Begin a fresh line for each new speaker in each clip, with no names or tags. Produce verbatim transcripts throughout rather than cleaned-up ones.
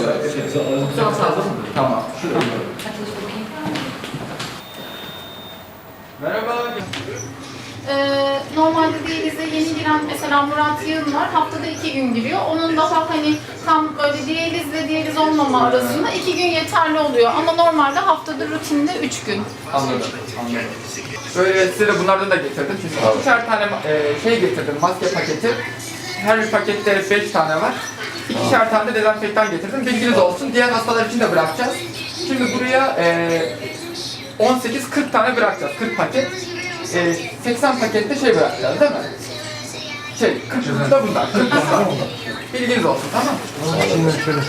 Tamam. Merhaba.
Ee, normalde diyalize yeni giren mesela Murat Yığın var. Haftada iki gün giriyor. Onun daha hani tam böyle diyalizle diyaliz olmama arasında iki gün yeterli oluyor. Ama normalde haftada rutinde üç gün.
Anladım. Anladım. Böyle size de bunlardan da getirdim. Çünkü ikişer tane e, şey getirdim, maske paketi. Her bir pakette beş tane var. İkişer tane de dezenfektan getirdim. Bilginiz olsun. Diğer hastalar için de bırakacağız. Şimdi buraya e, on sekiz kırk tane bırakacağız. kırk paket. E, seksen pakette şey bırakacağız değil mi? Şey, kırk da bunlar. kırk bunlar. Bilginiz olsun, tamam mı?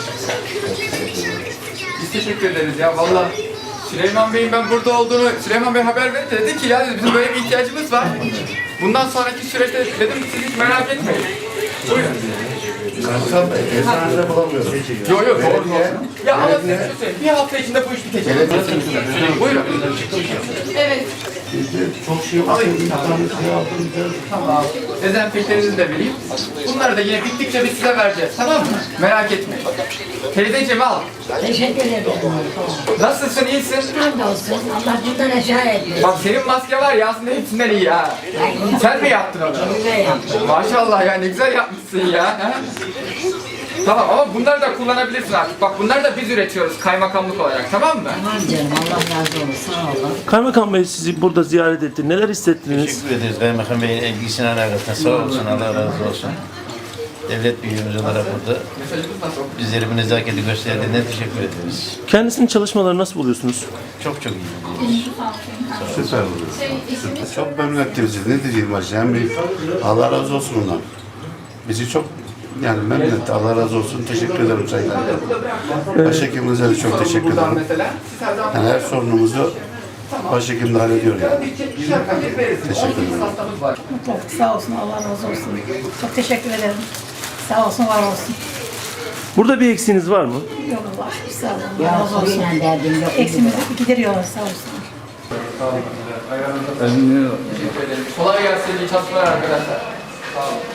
Biz teşekkür ederiz ya. Vallahi Süleyman Bey'in ben burada olduğunu, Süleyman Bey haber verince dedi ki ya dedi, bizim böyle bir ihtiyacımız var. Bundan sonraki süreçte dedim siz hiç merak etmeyin. Buyurun.
Karsam eczanede bulamıyorum.
Yok yok doğru doğru. Ya ama size şunu söyleyeyim, bir hafta içinde bu iş bitecek. Buyurun.
Evet.
Çok şey var. İnternet şey aldım.
Tamam. Dezenfektanınızı da vereyim. Bunları da yine bittikçe biz size vereceğiz, tamam mı? Merak etmeyin. Teyzeciğim al.
Teşekkür ederim.
Nasılsın, iyisin?
Hamdolsun. Allah bundan aşağı etmesin.
Bak senin maske var ya aslında hepsinden iyi ha. Sen mi yaptın onu?
Güzel yaptım.
Maşallah ya ne güzel yapmışsın ya. ha? Tamam ama bunları da kullanabilirsin artık. Bak bunları da biz üretiyoruz kaymakamlık olarak, tamam mı?
Tamam canım. Allah razı olsun. Sağ olun.
Kaymakam Bey sizi burada ziyaret etti. Neler hissettiniz?
Teşekkür ederiz Kaymakam Bey'in ilgisine alakasına. Sağ olsun, Allah razı olsun. Devlet büyüğümüz olarak burada bizleri bu nezaketi gösterdiğine teşekkür ederiz.
Kendisinin çalışmaları nasıl buluyorsunuz?
Çok çok iyi.
Süper oluyor.
Şey, işimiz
Çok memnun etti bizi. Ne diyeyim başta? Hem bir Allah razı olsun ondan. Bizi çok yani memnun etti. Allah razı olsun. Teşekkür ederim sayın. Başhekimimize de çok teşekkür
Buradan
ederim.
mesela siz her zaman
Yani her sorunumuzu başhekim de hallediyor yani.
ikişer paket veririz.
Teşekkür ederim.
on sekiz hastamız var.
Sağ olsun, Allah razı olsun. Çok teşekkür ederim. Sağ olsun, var olsun.
Burada bir eksiğiniz var mı?
Yok Allah aşkına, sağ olun.
Ya
Allah razı olsun.
suyla derdim yok.
Eksimizi gideriyorlar, sağ olsun.
Teşekkür ederim. Kolay gelsin. İyi çalışmalar arkadaşlar. Sağ olun.